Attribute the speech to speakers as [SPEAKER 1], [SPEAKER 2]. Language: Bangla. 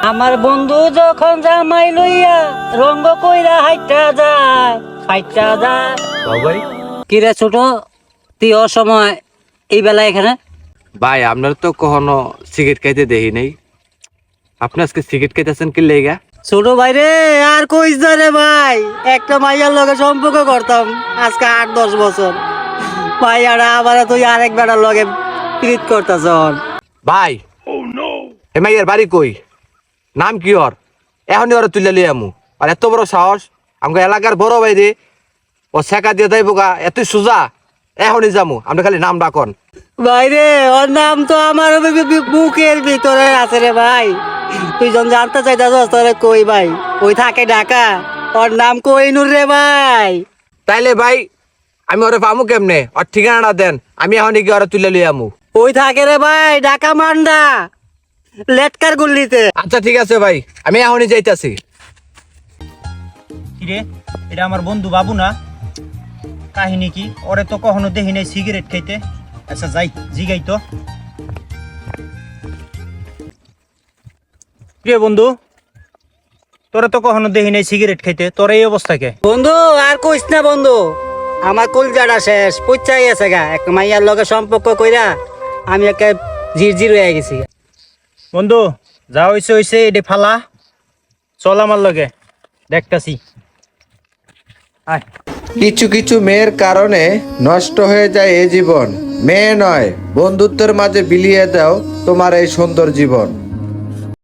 [SPEAKER 1] আমার বন্ধু যখন জামাই লইয়া রঙ্গ কইরা হাইটা যায়
[SPEAKER 2] ভাই
[SPEAKER 1] কিরে ছোট তুই অসময় এই বেলা এখানে?
[SPEAKER 2] ভাই আপনার তো কখনো সিগারেট খাইতে দেখি নাই। আপনি আজকে সিগারেট খাইতেছেন কি লেগা?
[SPEAKER 1] ছোট ভাই রে, আর কইস না রে ভাই, একটা মাইয়ার লগে সম্পর্ক করতাম আজকে 8-10 বছর। মাইয়ারা আবার তুই আরেক বেটার লগে প্রীত করতাছ।
[SPEAKER 2] ভাই এ মাইয়ের বাড়ি কই, নাম কি ওর? এখনই ওরা তুলে লিয়ে আমু। আর এত বড় সাহস, আমাকে এলাকার বড় ভাই রে, ও শেখা দিয়ে যাইব গা, এত সোজা। এখনই যামু, আপনি খালি নাম ডাকন।
[SPEAKER 1] ভাই রে, ওর নাম তো আমার বুকের ভিতরে আছে রে ভাই। তুই যখন জানতে চাইতাছস তোরে কই ভাই, ওই থাকে ঢাকা, ওর নাম কোহিনুর রে ভাই।
[SPEAKER 2] তাইলে ভাই আমি ওরে পামু কেমনে? ওর ঠিকানাটা দেন, আমি এখনই গিয়ে ওরা তুলে লিয়ে আমু।
[SPEAKER 1] ওই থাকে রে ভাই ঢাকা মান্ডা লেটকার গুল্লিতে।
[SPEAKER 2] আচ্ছা ঠিক আছে ভাই, আমি এখনই যাইতাছি।
[SPEAKER 3] কিরে, এটা আমার বন্ধু বাবু না? কাহিনী কি? ওরে তো কখনো দেখি নাই সিগারেট খাইতে। আচ্ছা যাই জিগাই তো। কিরে বন্ধু, তোরে তো কখনো দেখি নাই সিগারেট খাইতে, তোর এই অবস্থা কে?
[SPEAKER 1] বন্ধু আর কইস না বন্ধু, আমার কলজাটা শেষ পইচাই গেছে গা। এক মাইয়ার লগে সম্পর্ক কইরা আমি একটা জিরজির হয়ে গেছি।
[SPEAKER 3] বন্ধু যা হইছে হইছে, এডে ফালা, চল আমার লগে, দেখতাছি। আয়।
[SPEAKER 4] কিছু কিছু মেয়ের কারণে নষ্ট হয়ে যায় এই জীবন। মেয়ে নয়, বন্ধুত্বের মাঝে বিলিয়ে দাও তোমার এই সুন্দর জীবন।